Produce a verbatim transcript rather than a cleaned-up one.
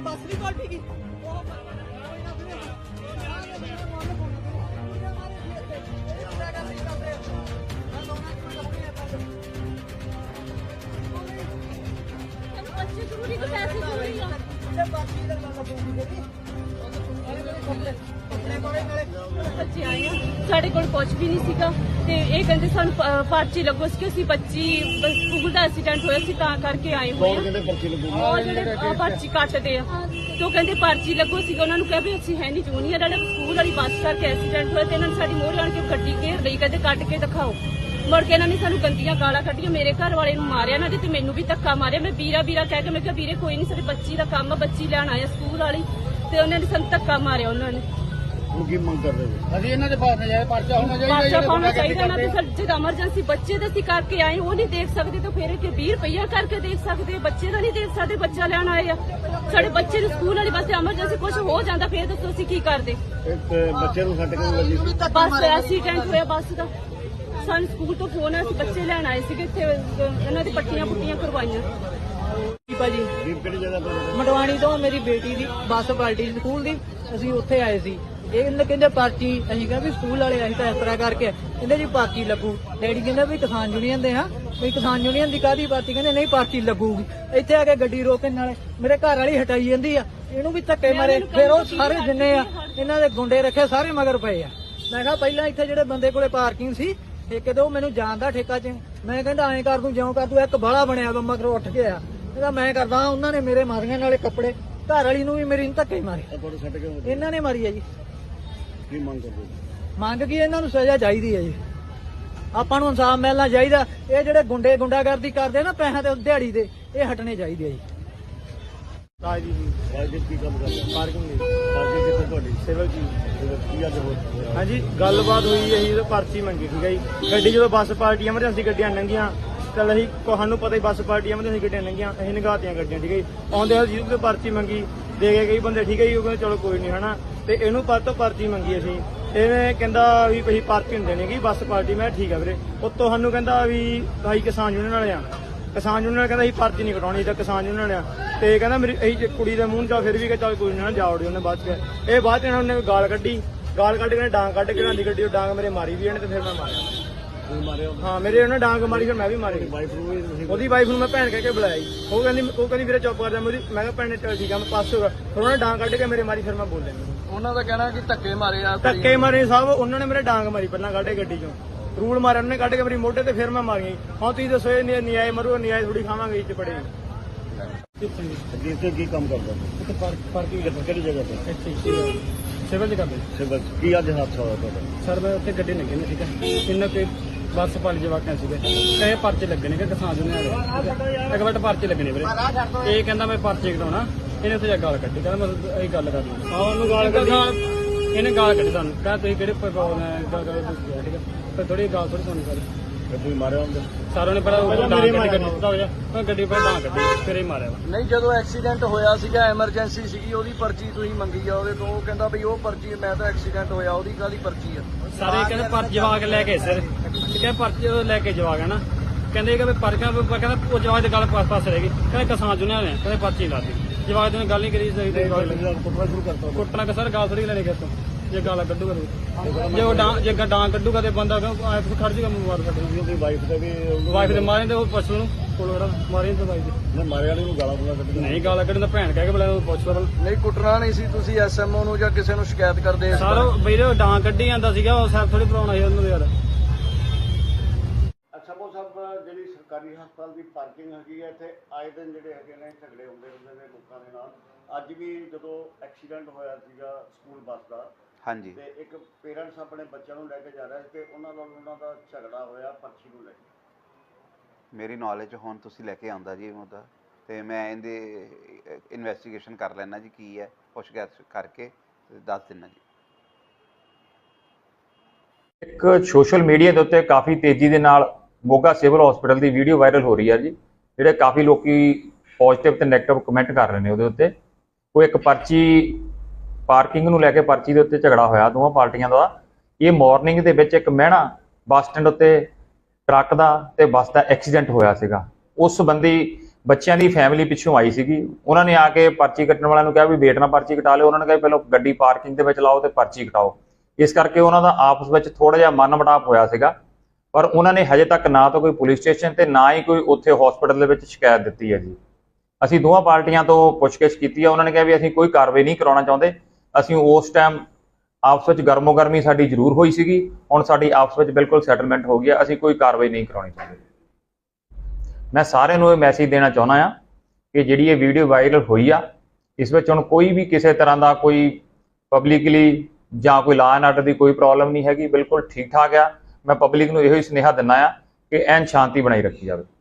ਬੱਸ ਵੀ ਪਲਟ ਗਈ। ਬੱਚੇ ਜ਼ਰੂਰੀ ਕਿ ਪੈਸੇ ਜ਼ਰੂਰੀ ਆ। ਬੱਚੇ ਆਏ ਆ, ਸਾਡੇ ਕੋਲ ਕੁਝ ਵੀ ਨਹੀਂ ਸੀਗਾ ਤੇ ਇਹ ਕਹਿੰਦੇ ਸਾਨੂੰ ਪ- ਪਰਚੀ ਲੱਗੋ ਸੀ ਕਿ ਅਸੀਂ ਬੱਚੀ ਸਕੂਲ ਦਾ ਐਕਸੀਡੈਂਟ ਹੋਇਆ ਸੀ ਤਾਂ ਕਰਕੇ ਆਏ ਹੋਏ ਆ। ਉਹ ਜਿਹੜੇ ਅਹ, ਪਰਚੀ ਕੱਟਦੇ ਆ ਤੇ ਉਹ ਕਹਿੰਦੇ ਪਰਚੀ ਲੱਗੋ ਸੀ। ਉਹਨਾਂ ਨੂੰ ਕਿਹਾ ਵੀ ਅਸੀਂ ਹੈ ਨਹੀਂ ਜੂਨੀਅਰ ਵਾਲੇ ਸਕੂਲ ਵਾਲੀ ਬੱਸ ਕਰਕੇ ਐਕਸੀਡੈਂਟ ਹੋਇਆ ਤੇ ਇਹਨਾਂ ਨੇ ਸਾਡੀ ਮੋਹਰ ਆਣ ਕੇ ਗੱਡੀ ਘੇਰ ਲਈ, ਕਹਿੰਦੇ ਕੱਟ ਕੇ ਦਿਖਾਓ। ਮੁੜ ਕੇ ਇਹਨਾਂ ਨੇ ਸਾਨੂੰ ਗੰਦੀਆਂ ਗਾਲਾਂ ਕੱਢੀਆਂ, ਮੇਰੇ ਘਰ ਵਾਲੇ ਨੂੰ ਮਾਰਿਆ ਨਾ ਤੇ ਮੈਨੂੰ ਵੀ ਧੱਕਾ ਮਾਰਿਆ। ਮੈਂ ਵੀਰਾ ਵੀਰਾ ਕਹਿ ਕੇ ਮੈਂ ਕਿਹਾ ਵੀਰੇ ਕੋਈ ਨਹੀਂ, ਸਾਡੀ ਬੱਚੀ ਦਾ ਕੰਮ ਆ, ਬੱਚੀ ਲੈਣ ਆਇਆ ਸਕੂਲ ਵਾਲੀ ਤੇ ਉਹਨਾਂ ਨੇ ਸਾਨੂੰ ਧੱਕਾ ਮਾਰਿਆ। ਉਹਨਾਂ ਨੇ ਕੀ ਮੰਗ ਕਰਦੇ ਹੋ? ਅਸੀਂ ਇਹਨਾਂ ਦੇ ਪਾਸ ਨਜਾਇਜ਼ ਪਰਚਾ ਹੋਣਾ ਚਾਹੀਦਾ। ਪਰਚਾ ਪਾਉਣਾ ਚਾਹੀਦਾ ਨਾ, ਤੇ ਸਰ ਜਿਹੜਾ ਐਮਰਜੈਂਸੀ ਬੱਚੇ ਦੇ ਅਸੀਂ ਕਰਕੇ ਆਏ ਉਹ ਨਹੀਂ ਦੇਖ ਸਕਦੇ ਤਾਂ ਫਿਰ ਕਿ ਵੀਹ ਰੁਪਈਆ ਕਰਕੇ ਦੇਖ ਸਕਦੇ, ਬੱਚੇ ਦਾ ਨਹੀਂ ਦੇਖ ਸਕਦੇ। ਬੱਚਾ ਲੈਣ ਆਏ ਆ, ਸਾਡੇ ਬੱਚੇ ਨੂੰ ਸਕੂਲ ਵਾਲੀ ਬੱਸ ਐਮਰਜੈਂਸੀ ਕੁਝ ਹੋ ਜਾਂਦਾ ਫਿਰ ਦੱਸੋ ਅਸੀਂ ਕੀ ਕਰਦੇ। ਇੱਕ ਬੱਚੇ ਨੂੰ ਸੱਟ ਕੇ ਲੱਗੀ ਸੀ। ਬੱਸ ਐਕਸੀਡੈਂਟ ਹੋਇਆ ਬੱਸ ਦਾ, ਸਾਨੂੰ ਸਕੂਲ ਤੋਂ ਫੋਨ ਆਇਆ ਸੀ, ਬੱਚੇ ਲੈਣ ਆਏ ਸੀਗੇ ਇੱਥੇ, ਇਹਨਾਂ ਦੀ ਪੱਟੀਆਂ ਪੁੱਟੀਆਂ ਕਰਵਾਈਆਂ। ਭਾਜੀ ਦੀਪ ਕਿਹੜੀ ਜਗ੍ਹਾ ਤੋਂ? ਮਟਵਾਣੀ ਤੋਂ ਮੇਰੀ ਬੇਟੀ ਦੀ ਬੱਸ ਪਲਟੀ ਸਕੂਲ ਦੀ, ਅਸੀਂ ਉੱਥੇ ਆਏ ਸੀ। ਇਹ ਕਹਿੰਦੇ ਕਹਿੰਦੇ ਪਰਚੀ, ਅਸੀਂ ਕਹਿੰਦੇ ਵੀ ਸਕੂਲ ਵਾਲੇ ਅਸੀਂ ਤਾਂ ਇਸ ਤਰ੍ਹਾਂ ਕਰਕੇ ਕਹਿੰਦੇ ਜੀ ਪਰਚੀ ਲੱਗੂ। ਡੈਡੀ ਕਹਿੰਦਾ ਵੀ ਕਿਸਾਨ ਯੂਨੀਅਨ ਦੇ ਹਾਂ, ਵੀ ਕਿਸਾਨ ਯੂਨੀਅਨ ਦੀ ਕਾਹਦੀ ਪਰਚੀ? ਕਹਿੰਦੇ ਨਹੀਂ ਪਰਚੀ ਲੱਗੂਗੀ। ਇੱਥੇ ਆ ਕੇ ਗੱਡੀ ਰੋਕਣ ਨਾਲੇ ਮੇਰੇ ਘਰ ਵਾਲੀ ਹਟਾਈ ਜਾਂਦੀ ਆ, ਇਹਨੂੰ ਵੀ ਧੱਕੇ ਮਾਰੇ। ਫਿਰ ਉਹ ਸਾਰੇ ਜਿੰਨੇ ਆ ਇਹਨਾਂ ਦੇ ਗੁੰਡੇ ਰੱਖੇ ਸਾਰੇ ਮਗਰ ਪਏ ਆ। ਮੈਂ ਕਿਹਾ ਪਹਿਲਾਂ ਇੱਥੇ ਜਿਹੜੇ ਬੰਦੇ ਕੋਲੇ ਪਾਰਕਿੰਗ ਸੀ ਠੇਕੇ ਤੇ, ਉਹ ਮੈਨੂੰ ਜਾਣਦਾ ਠੇਕਾ ਚ। ਮੈਂ ਕਹਿੰਦਾ ਐਂ ਕਰ ਦੂੰ ਜਿਉਂ ਕਰ ਦੂੰ, ਇੱਕ ਬਾਲਾ ਬਣਿਆ ਵਾ ਮਗਰ ਉੱਠ ਗਿਆ। ਕਹਿੰਦਾ ਮੈਂ ਕਰਦਾ। ਉਹਨਾਂ ਨੇ ਮੇਰੇ ਮਾਰੀਆਂ ਨਾਲੇ ਕੱਪੜੇ, ਘਰ ਵਾਲੀ ਨੂੰ ਵੀ ਮੇਰੀ ਧੱਕੇ ਮਾਰੇ। ਤੁਹਾਡੇ ਸੱਟ ਕੇ ਇਹਨਾਂ ਨੇ ਮਾਰੀ ਆ ਜੀ। ਕੀ ਮੰਗ ਕਰਦੇ ਹੋ? ਮੰਗ ਕੀ, ਇਹਨਾਂ ਨੂੰ ਸਜ਼ਾ ਚਾਹੀਦੀ ਹੈ ਜੀ। ਆਪਾਂ ਨੂੰ ਇਨਸਾਫ ਮਿਲਣਾ ਚਾਹੀਦਾ। ਇਹ ਜਿਹੜੇ ਗੁੰਡੇ ਗੁੰਡਾਗਰਦੀ ਕਰਦੇ ਨਾ ਪੈਸਿਆਂ ਤੇ ਦਿਹਾੜੀ ਦੇ, ਇਹ ਹਟਣੇ ਚਾਹੀਦੇ ਆ ਜੀ। ਤਾਜੀ ਜੀ ਤਾਜੀ ਕੀ ਕੰਮ ਕਰਦੇ? ਪਾਰਕਿੰਗ ਦੀ ਪਾਰਕਿੰਗ ਕਿੱਥੇ ਤੁਹਾਡੀ? ਸਿਵਲ ਜੀ। ਕੀ ਅੱਜ ਹੋਇਆ? ਹਾਂਜੀ ਗੱਲਬਾਤ ਹੋਈ, ਅਸੀਂ ਤਾਂ ਪਰਚੀ ਮੰਗੀ ਠੀਕ ਹੈ ਜੀ। ਗੱਡੀ ਜਦੋਂ ਬੱਸ ਪਾਰਟੀ ਐਮਰਜੈਂਸੀ ਗੱਡੀਆਂ ਲੰਘੀਆਂ ਚੱਲ ਅਸੀਂ ਸਾਨੂੰ ਪਤਾ ਹੀ ਬੱਸ ਪਾਰਟੀ ਐਮਰਜੈਂਸੀ ਗੱਡੀਆਂ ਲੰਘੀਆਂ, ਅਸੀਂ ਨਿਗਾਹਤੀਆਂ ਗੱਡੀਆਂ ਠੀਕ ਹੈ ਜੀ। ਆਉਂਦੇ ਹੋਏ ਜਿਹਨੂੰ ਪਰਚੀ ਮੰਗੀ ਦੇ ਗਏ ਕਈ ਬੰਦੇ ਠੀਕ ਹੈ ਜੀ, ਉਹ ਕਹਿੰਦੇ ਚਲੋ ਕੋਈ ਨਹੀਂ ਹਨਾ। ਤੇ ਇਹਨੂੰ ਪਰ ਤੋਂ ਪਰਚੀ ਮੰਗੀ ਅਸੀਂ, ਇਹਨੇ ਕਹਿੰਦਾ ਵੀ ਅਸੀਂ ਪਰਚੀ ਨਹੀਂ ਦੇਣੀ ਗੀ ਬੱਸ ਪਾਰਟੀ। ਮੈਂ ਠੀਕ ਆ ਵੀਰੇ। ਉੱਤੋਂ ਸਾਨੂੰ ਕਹਿੰਦਾ ਵੀ ਅਸੀਂ ਕਿਸਾਨ ਯੂਨੀਅਨ ਵਾਲੇ ਆ, ਕਿਸਾਨ ਯੂਨੀਅਨ ਕਹਿੰਦਾ ਅਸੀਂ ਪਰਚੀ ਨਹੀਂ ਕਟਾਉਣੀ, ਤਾਂ ਕਿਸਾਨ ਯੂਨੀਅਨ ਆ। ਤੇ ਕਹਿੰਦਾ ਮੇਰੀ ਅਸੀਂ ਕੁੜੀ ਦੇ ਮੂੰਹ ਚ ਫਿਰ ਵੀ ਕਿ ਚੱਲ ਕੋਈ ਨਾ ਜਾ ਵੜੀ। ਉਹਨੇ ਬਾਅਦ ਚ ਇਹ ਬਾਅਦ ਚ ਇਹਨਾਂ ਨੇ ਗਾਲ ਕੱਢੀ, ਗਾਲ ਕੱਢ ਕੇ ਡਾਂਗ ਕੱਢ ਕੇ ਇਹਨਾਂ ਦੀ ਗੱਡੀ ਉਹ ਡਾਂਗ ਮੇਰੇ ਮਾਰੀ ਵੀ ਇਹਨੇ ਤੇ ਫਿਰ ਮੈਂ ਮਾਰਿਆ। ਤੁਸੀਂ ਮਾਰਿਆ? ਹਾਂ ਮੇਰੇ ਉਹਨੇ ਡਾਂਗ ਮਾਰੀ, ਫਿਰ ਮੈਂ ਵੀ ਮਾਰੀ। ਵਾਈਫ ਨੂੰ ਵੀ ਤੁਸੀਂ? ਉਹਦੀ ਵਾਈਫ ਨੂੰ ਮੈਂ ਭੈਣ ਕਹਿ ਕੇ ਬੁਲਾਇਆ ਜੀ। ਉਹ ਕਹਿੰਦੀ ਉਹ ਕਹਿੰਦੀ ਵੀਰੇ ਚੁੱਪ ਕਰ ਜਾ। ਮੈਂ ਮੈਂ ਕਿਹਾ ਭੈਣੇ ਚੱਲ ਠੀਕ ਆ ਮੈਂ ਪਾਸ ਹੋ ਗਿਆ। ਫਿਰ ਉਹਨੇ ਡਾਂਗ ਕੱਢ ਕੇ ਮੇਰੇ ਮਾਰੀ, ਫਿਰ ਮੈਂ ਬੋਲਿਆ। ਉਹਨਾਂ ਦਾ ਕਹਿਣਾ ਕਿ ਧੱਕੇ ਮਾਰੇ ਆ। ਧੱਕੇ ਮਾਰੇ ਸਾਹਿਬ, ਉਹਨਾਂ ਨੇ ਮੇਰੇ ਡਾਂਗ ਮਾਰੀ ਪਹਿਲਾਂ ਕੱਢ ਕੇ ਗੱਡੀ ਚੋਂ, ਰੂਲ ਮਾਰਿਆ ਉਹਨੇ ਕੱਢ ਕੇ ਮੇਰੀ ਮੋਢੇ ਤੇ, ਫਿਰ ਮੈਂ ਮਾਰੀ। ਹਾਂ ਤੁਸੀਂ ਦੱਸੋ ਇਹ ਨਿਆਏ ਮਰੂ, ਨਿਆਏ ਥੋੜੀ ਖਾਵਾਂਗੇ ਇੱਥੇ ਬੜੇ। ਅਜੀਤ ਤੇ ਕੀ ਕੰਮ ਕਰਦਾ? ਪਾਰਕਿੰਗ ਕਿਹੜੀ ਜਗ੍ਹਾ ਤੇ? ਇੱਥੇ ਸਿਵਲ ਦੇ ਕਰਦੇ ਸਿਵਲ ਕੀ ਅੱਜ ਹਾਦਸਾ ਹੋਇਆ ਤੁਹਾਡਾ? ਸਰ ਮੈਂ ਉੱਥੇ ਗੱਡੀ ਲੱਗੀ ਨੇ ਠੀਕ ਹੈ, ਇਹਨਾਂ ਕੋਈ ਬੱਸ ਪਾਲੀ ਜਵਾਕਾਂ ਸੀਗੇ, ਕਹੇ ਪਰਚੇ ਲੱਗਣੇ ਕਿ ਕਿਸਾਨ ਜੁਨੇ ਵਾਲੇ ਇੱਕ ਵਾਰ ਪਰਚੇ ਲੱਗਣੇ ਵੀਰੇ। ਇਹ ਕਹਿੰਦਾ ਮੈਂ ਪਰਚੇ ਕਟਾਉਣਾ, ਇਹਨੇ ਉੱਥੇ ਜਾ ਗਾਲ ਕੱਢੀ, ਕਹਿੰਦਾ ਮੈਂ ਇਹ ਗੱਲ ਕਰਨੀ। ਹਾਂ ਉਹਨੂੰ ਗਾਲ ਕੱਢੀ, ਇਹਨੇ ਗਾਲ ਕੱਢੀ ਸਾਨੂੰ, ਕਹਿੰਦਾ ਤੁਸੀਂ ਕਿਹੜੇ ਪ੍ਰੋਬਲਮ ਹੈ ਗੱਲ ਕਰ ਠੀਕ ਹੈ। ਫਿਰ ਥੋੜੀ ਗਾਲ ਥੋੜੀ ਸੁਣੀ ਸਾਰੀ। ਤੁਸੀਂ ਮਾਰਿਆ ਹੁੰਦਾ? ਸਾਰਿਆਂ ਨੇ ਬੜਾ ਗੱਡੀ ਦਿੱਤਾ ਹੋਇਆ, ਮੈਂ ਗੱਡੀ ਪਰ ਡਾਂ ਕੱਢੀ, ਫਿਰ ਹੀ ਮਾਰਿਆ। ਨਹੀਂ ਜਦੋਂ ਐਕਸੀਡੈਂਟ ਹੋਇਆ ਸੀਗਾ ਐਮਰਜੈਂਸੀ ਸੀਗੀ, ਉਹਦੀ ਪਰਚੀ ਤੁਸੀਂ ਮੰਗੀ ਆ ਉਹਦੇ ਤੋਂ। ਉਹ ਕਹਿੰਦਾ ਵੀ ਉਹ ਪਰਚੀ ਮੈਂ ਤਾਂ ਐਕਸੀਡੈਂਟ ਹੋਇਆ ਉਹਦੀ ਕਾਹਦੀ ਪਰਚੀ ਆ? ਸਾਰੇ ਕਹਿੰਦੇ ਪਰ ਜਵਾਕ ਲੈ ਕੇ ਸਰ ਕਹਿੰਦੇ ਪਰਚੇ ਲੈ ਕੇ ਜਵਾਕ ਹੈ ਨਾ, ਕਹਿੰਦੇ ਕਿ ਪਰਚਾ ਕਹਿੰਦਾ ਉਹ ਜਵਾਕ ਦੀ ਗੱਲ ਪਾਸ ਪਾਸ ਰਹੇਗੀ। ਕਹਿੰਦੇ ਕਿਸਾਨ ਜੁਨੇ ਨੇ ਕਹਿੰਦੇ ਪਰਚੀ ਲਾਤੀ, ਜਵਾਕ ਦੀ ਗੱਲ ਨਹੀਂ ਕਰੀ ਕੁੱਟਣਾ ਸ਼ੁਰੂ ਕਰਤਾ? ਕੁੱਟਣਾ ਕਿ ਸਰ ਗਾਲ ਥੋੜੀ ਲੈਣੀ ਕਿਸ ਤੋਂ, ਜੇ ਗਾਲਾਂ ਕੱਢੂਗਾ ਜੇ ਉਹ ਡਾਂ ਜੇ ਡਾਂ ਕੱਢੂਗਾ ਤੇ ਬੰਦਾ ਖੜ ਜੂਗਾ ਮਾਰ ਕੱਢੂਗਾ। ਉਹਦੀ ਵਾਈਫ ਤੇ ਵੀ? ਵਾਈਫ ਦੇ ਮਾਰੇ ਤੇ ਉਹ ਪਸ਼ੂ ਨੂੰ ਕੋਲ ਵੜਾ ਮਾਰੇ ਤੇ ਵਾਈਫ ਦੇ ਨਾ ਮਾਰਿਆ ਵਾਲੇ ਨੂੰ ਗਾਲਾਂ ਗੁਲਾਂ ਕੱਢੀਆਂ? ਨਹੀਂ ਗਾਲਾਂ ਕੱਢਣ ਦਾ ਭੈਣ ਕਹਿ ਕੇ ਬੁਲਾਇਆ, ਪੁੱਛ ਲਓ। ਨਹੀਂ ਕੁੱਟਣਾ ਨਹੀਂ ਸੀ ਤੁਸੀਂ ਐਸਐਮਓ ਨੂੰ ਜਾਂ ਕਿਸੇ ਨੂੰ ਸ਼ਿਕਾਇਤ ਕਰਦੇ? ਸਰ ਵੀਰੇ ਡਾਂ ਕੱਢੀ ਜਾਂਦਾ ਸੀਗਾ, ਉਹ ਸਰ ਥੋੜੀ ਭਰਾਉਣਾ ਸੀ ਉਹਨੂੰ ਯਾਰ। ਸਭੋ ਸਭ ਜਿਹੜੀ ਸਰਕਾਰੀ ਹਸਪਤਾਲ ਦੀ ਪਾਰਕਿੰਗ ਹੈਗੀ ਹੈ, ਇੱਥੇ ਆਏ ਦਿਨ ਜਿਹੜੇ ਹੈਗੇ ਨੇ ਝਗੜੇ ਹੁੰਦੇ ਹੁੰਦੇ ਨੇ ਲੋਕਾਂ ਦੇ ਨਾਲ। ਅੱਜ ਵੀ ਜਦੋਂ ਐਕਸੀਡੈਂਟ ਹੋਇਆ ਸੀਗਾ ਸਕੂਲ ਬੱਸ ਦਾ, ਹਾਂਜੀ, ਤੇ ਇੱਕ ਪੇਰੈਂਟਸ ਆਪਣੇ ਬੱਚਿਆਂ ਨੂੰ ਲੈ ਕੇ ਜਾ ਰਿਹਾ ਸੀ ਤੇ ਉਹਨਾਂ ਨਾਲ ਉਹਨਾਂ ਦਾ ਝਗੜਾ ਹੋਇਆ ਪਰਚੀ ਨੂੰ ਲੈ ਕੇ। ਮੇਰੀ ਨੌਲੇਜ ਹੁਣ ਤੁਸੀਂ ਲੈ ਕੇ ਆਉਂਦਾ ਜੀ ਉਹਦਾ, ਤੇ ਮੈਂ ਇਹਦੇ ਇਨਵੈਸਟੀਗੇਸ਼ਨ ਕਰ ਲੈਣਾ ਜੀ ਕੀ ਹੈ, ਪੁੱਛਗਿੱਛ ਕਰਕੇ ਦੱਸ ਦਿੰਦਾ ਜੀ। ਇੱਕ ਸੋਸ਼ਲ ਮੀਡੀਆ ਦੇ ਉੱਤੇ ਕਾਫੀ ਤੇਜ਼ੀ ਦੇ ਨਾਲ ਮੋਗਾ ਸਿਵਲ ਹਸਪੀਟਲ ਦੀ ਵੀਡੀਓ ਵਾਇਰਲ ਹੋ ਰਹੀ ਹੈ ਜੀ, ਜਿਹੜੇ ਕਾਫੀ ਲੋਕੀ ਪੋਜ਼ਿਟਿਵ ਤੇ ਨੈਗੇਟਿਵ ਕਮੈਂਟ ਕਰ ਰਹੇ ਨੇ ਉਹਦੇ ਉੱਤੇ। ਕੋਈ ਇੱਕ ਪਰਚੀ ਪਾਰਕਿੰਗ ਨੂੰ ਲੈ ਕੇ ਪਰਚੀ ਦੇ ਉੱਤੇ ਝਗੜਾ ਹੋਇਆ ਦੋਵਾਂ ਪਾਰਟੀਆਂ ਦਾ। ਇਹ ਮਾਰਨਿੰਗ ਦੇ ਵਿੱਚ ਇੱਕ ਮਹਿਣਾ ਬੱਸ ਸਟੈਂਡ ਉੱਤੇ ਟਰੱਕ ਦਾ ਤੇ ਬੱਸ ਦਾ ਐਕਸੀਡੈਂਟ ਹੋਇਆ ਸੀਗਾ। ਉਸ ਸੰਬੰਧੀ ਬੱਚਿਆਂ ਦੀ ਫੈਮਿਲੀ ਪਿੱਛੋਂ ਆਈ ਸੀਗੀ। ਉਹਨਾਂ ਨੇ ਆ ਕੇ ਪਰਚੀ ਕੱਟਣ ਵਾਲਿਆਂ ਨੂੰ ਕਿਹਾ ਵੀ ਵੇਟ ਨਾਲ ਪਰਚੀ ਕਟਾ ਲਿਓ। ਉਹਨਾਂ ਨੇ ਕਿਹਾ ਪਹਿਲਾਂ ਗੱਡੀ ਪਾਰਕਿੰਗ ਦੇ ਵਿੱਚ ਲਾਓ ਤੇ ਪਰਚੀ ਕਟਾਓ। ਇਸ ਕਰਕੇ ਉਹਨਾਂ ਦਾ ਆਪਸ ਵਿੱਚ ਥੋੜਾ ਜਿਹਾ ਮਨ ਮੁਟਾਵ ਹੋਇਆ ਸੀਗਾ, ਪਰ ਉਹਨਾਂ ਨੇ ਹਜੇ ਤੱਕ ਨਾ ਤਾਂ ਕੋਈ ਪੁਲਿਸ ਸਟੇਸ਼ਨ ਤੇ ਨਾ ਹੀ ਕੋਈ ਉੱਥੇ ਹਸਪੀਟਲ ਦੇ ਵਿੱਚ ਸ਼ਿਕਾਇਤ ਦਿੱਤੀ ਹੈ ਜੀ। ਅਸੀਂ ਦੋਵਾਂ ਪਾਰਟੀਆਂ ਤੋਂ ਪੁੱਛਗਿੱਛ ਕੀਤੀ ਹੈ। ਉਹਨਾਂ ਨੇ ਕਿਹਾ ਵੀ ਅਸੀਂ ਕੋਈ ਕਾਰਵਾਈ ਨਹੀਂ ਕਰਾਉਣਾ ਚਾਹੁੰਦੇ। ਅਸੀਂ ਉਸ ਟਾਈਮ ਆਪਸ ਵਿੱਚ ਗਰਮੋ ਗਰਮੀ ਸਾਡੀ ਜ਼ਰੂਰ ਹੋਈ ਸੀਗੀ, ਹੁਣ ਸਾਡੀ ਆਪਸ ਵਿੱਚ ਬਿਲਕੁਲ ਸੈਟਲਮੈਂਟ ਹੋ ਗਿਆ। ਅਸੀਂ ਕੋਈ ਕਾਰਵਾਈ ਨਹੀਂ ਕਰਾਉਣੀ ਚਾਹੁੰਦੇ। ਮੈਂ ਸਾਰਿਆਂ ਨੂੰ ਇਹ ਮੈਸੇਜ ਦੇਣਾ ਚਾਹੁੰਦਾ ਆ ਕਿ ਜਿਹੜੀ ਇਹ ਵੀਡੀਓ ਵਾਇਰਲ ਹੋਈ ਆ, ਇਸ ਵਿੱਚ ਹੁਣ ਕੋਈ ਵੀ ਕਿਸੇ ਤਰ੍ਹਾਂ ਦਾ ਕੋਈ ਪਬਲਿਕਲੀ ਜਾਂ ਕੋਈ ਲਾਅ ਐਂਡ ਆਰਡਰ ਦੀ ਕੋਈ ਪ੍ਰੋਬਲਮ ਨਹੀਂ ਹੈਗੀ, ਬਿਲਕੁਲ ਠੀਕ ਠਾਕ ਆ। ਮੈਂ ਪਬਲਿਕ ਨੂੰ ਇਹੋ ਹੀ ਸੁਨੇਹਾ ਦਿੰਦਾ ਆ ਕਿ ਐਨ ਸ਼ਾਂਤੀ ਬਣਾਈ ਰੱਖੀ ਜਾਵੇ।